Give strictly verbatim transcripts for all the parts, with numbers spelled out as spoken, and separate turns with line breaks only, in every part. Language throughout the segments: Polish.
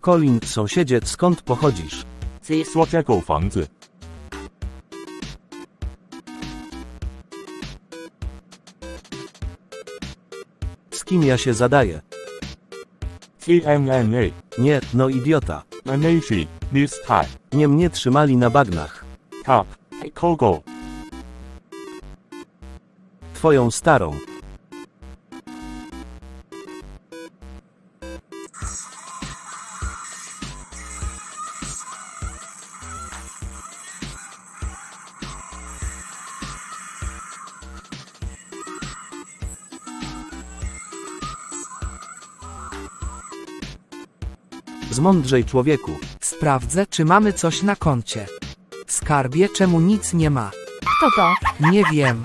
Colin, sąsiedzie, skąd pochodzisz?
这说这狗房子
Z kim ja się zadaję?
T M N A
Nie, no idiota.
Manashi this time
Nie mnie trzymali na bagnach.
top Kogo
Twoją starą. Zmądrzej, człowieku.
Sprawdzę, czy mamy coś na koncie. Skarbie, czemu nic nie ma?
Kto to?
Nie wiem.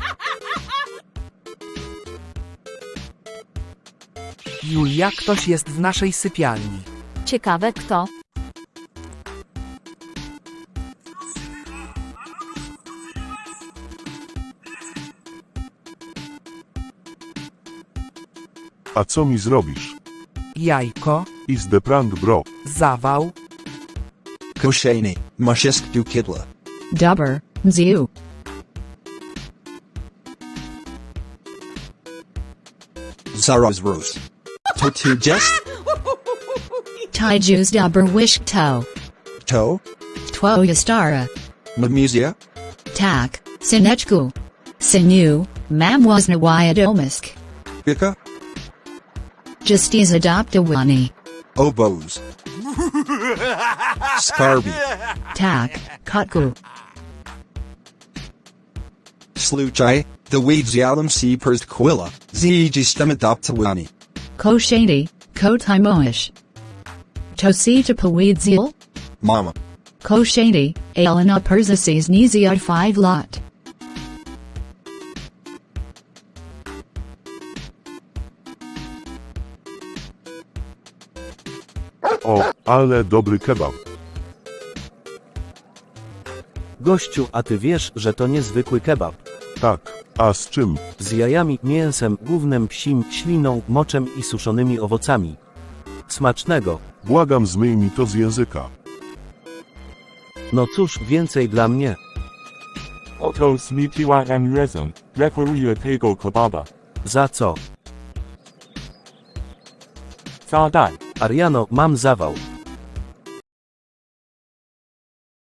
Julia, ktoś jest w naszej sypialni.
Ciekawe kto.
A co mi zrobisz?
Jajko,
Is the prank bro?
zawał,
Koshani, Mushisk du Kidla.
Dubber, Ziu.
Zaraz Rose. Totu Jest?
Taijus Dubber Wish To.
To?
Two Yastara.
Mamusia?
Tak, Sinechku. Sinu, Mamwasna Wyadomisk.
Bika?
Justiz Adoptawani.
Oboes. Scarby.
Tak, Kutku.
Sluchai, the weeds yalum si pers quilla, zeg stem adoptawani.
Koshani, Kotimoish. Tosita Pawedzil.
Mama.
Koshani, Alana Persises Niziad five lot.
O, ale dobry kebab.
Gościu, a ty wiesz, że to niezwykły kebab.
Tak, a z czym?
Z jajami, mięsem, gównem psim, śliną, moczem i suszonymi owocami. Smacznego.
Błagam, zmyj mi to z języka.
No cóż, więcej dla mnie.
Oto Smipiwa and Reason referuje tego kebaba
Za co?
炸弹
Ariano, mam zawał.